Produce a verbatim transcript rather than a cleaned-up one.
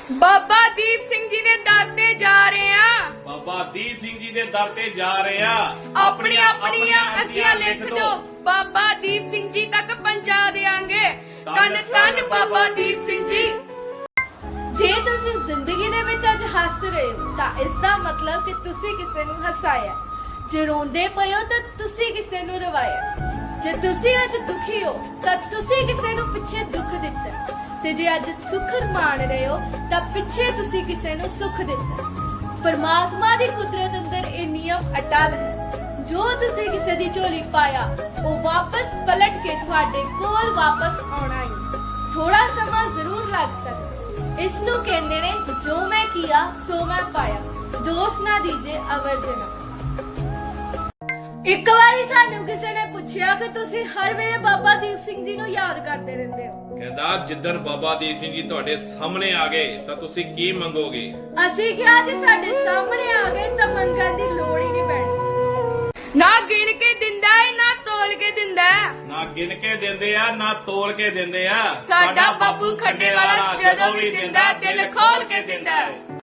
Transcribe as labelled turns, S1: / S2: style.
S1: ਬਾਬਾ ਦੀਪ ਸਿੰਘ ਜੀ ਦੇ ਦਰ ਤੇ ਜਾ ਰਹੇ ਆ।
S2: ਬਾਬਾ ਦੀਪ ਸਿੰਘ ਜੀ ਦੇ ਦਰ ਤੇ ਜਾ ਰਹੇ ਆ।
S1: ਆਪਣੀਆਂ ਆਪਣੀਆਂ ਅਰਜ਼ੀਆਂ ਲਿਖ ਦਿਓ, ਬਾਬਾ ਦੀਪ ਸਿੰਘ ਜੀ ਤੱਕ ਪਹੁੰਚਾ ਦੇਾਂਗੇ। ਧੰਨ ਧੰਨ ਬਾਬਾ ਦੀਪ ਸਿੰਘ ਜੀ। ਜੇ ਤੁਸੀਂ ਜ਼ਿੰਦਗੀ ਦੇ ਵਿੱਚ ਅੱਜ ਹੱਸ ਰਹੇ ਹੋ ਤਾਂ ਇਸ ਦਾ ਮਤਲਬ ਕਿ ਤੁਸੀਂ ਕਿਸੇ ਨੂੰ ਹਸਾਇਆ। ਜੇ ਰੋਂਦੇ ਪਏ ਹੋ ਤਾਂ ਤੁਸੀਂ ਕਿਸੇ ਨੂੰ ਰਵਾਇਆ। ਜੇ ਤੁਸੀਂ ਅੱਜ ਦੁਖੀ ਹੋ ਤਾਂ ਤੁਸੀਂ ਕਿਸੇ ਨੂੰ ਪਿੱਛੇ ਦੁੱਖ ਦਿੱਤਾ। ਤੇ ਜੇ ਅੱਜ ਸੁੱਖ ਮਾਣ ਰਹੇ ਹੋ ਤਾਂ ਪਿੱਛੇ ਤੁਸੀਂ ਕਿਸੇ ਨੂੰ ਸੁੱਖ ਦਿੱਤਾ। ਪਰਮਾਤਮਾ ਦੀ ਕੁਦਰਤ ਅੰਦਰ ਇਹ ਨਿਯਮ ਅਟਲ ਹੈ, ਜੋ ਤੁਸੀਂ ਕਿਸੇ ਦੀ ਝੋਲੀ ਪਾਇਆ ਉਹ ਵਾਪਸ ਪਲਟ ਕੇ ਤੁਹਾਡੇ ਕੋਲ ਵਾਪਸ ਆਉਣਾ ਹੀ। ਥੋੜਾ ਸਮਾਂ ਜ਼ਰੂਰ ਲੱਗ ਸਕਦਾ। ਇਸ ਨੂੰ ਕਹਿੰਦੇ ਨੇ ਜੋ ਮੈਂ ਕੀਆ ਸੋ ਮੈਂ ਪਾਇਆ, ਦੋਸ ਨਾ ਦੀਜੇ ਅਵਰ ਜਨਾ। ਇੱਕ ਵਾਰੀ ਸਾਨੂੰ ਕਿਸੇ ਨੇ ਪੁੱਛਿਆ ਕਿ ਤੁਸੀਂ ਹਰ ਵੇਲੇ ਬਾਬਾ ਦੀਪ ਸਿੰਘ ਜੀ ਨੂੰ ਯਾਦ ਕਰਦੇ ਰਹਿੰਦੇ ਹੋ।
S2: ਕਹਿੰਦਾ ਜਿੱਦਣ ਬਾਬਾ ਦੀਪ ਸਿੰਘ ਜੀ ਤੁਹਾਡੇ ਸਾਹਮਣੇ ਆ ਗਏ ਤਾਂ ਤੁਸੀਂ ਕੀ ਮੰਗੋਗੇ?
S1: ਅਸੀਂ ਕਿਹਾ ਜੇ ਸਾਡੇ ਸਾਹਮਣੇ ਆ ਗਏ ਤਾਂ ਮੰਗਣ ਦੀ ਲੋੜ ਹੀ ਨਹੀਂ ਪੈਣੀ। ਨਾ ਗਿਣ ਕੇ ਦਿੰਦਾ ਏ ਨਾ ਤੋਲ ਕੇ ਦਿੰਦਾ ਹੈ।
S2: ਨਾ ਗਿਣ ਕੇ ਦਿੰਦੇ ਆ ਨਾ ਤੋਲ ਕੇ ਦਿੰਦੇ ਆ।
S1: ਸਾਡਾ ਬਾਪੂ ਖੱਡੇ ਵਾਲਾ ਜਦੋਂ ਵੀ ਦਿੰਦਾ ਦਿਲ ਖੋਲ ਕੇ ਦਿੰਦਾ।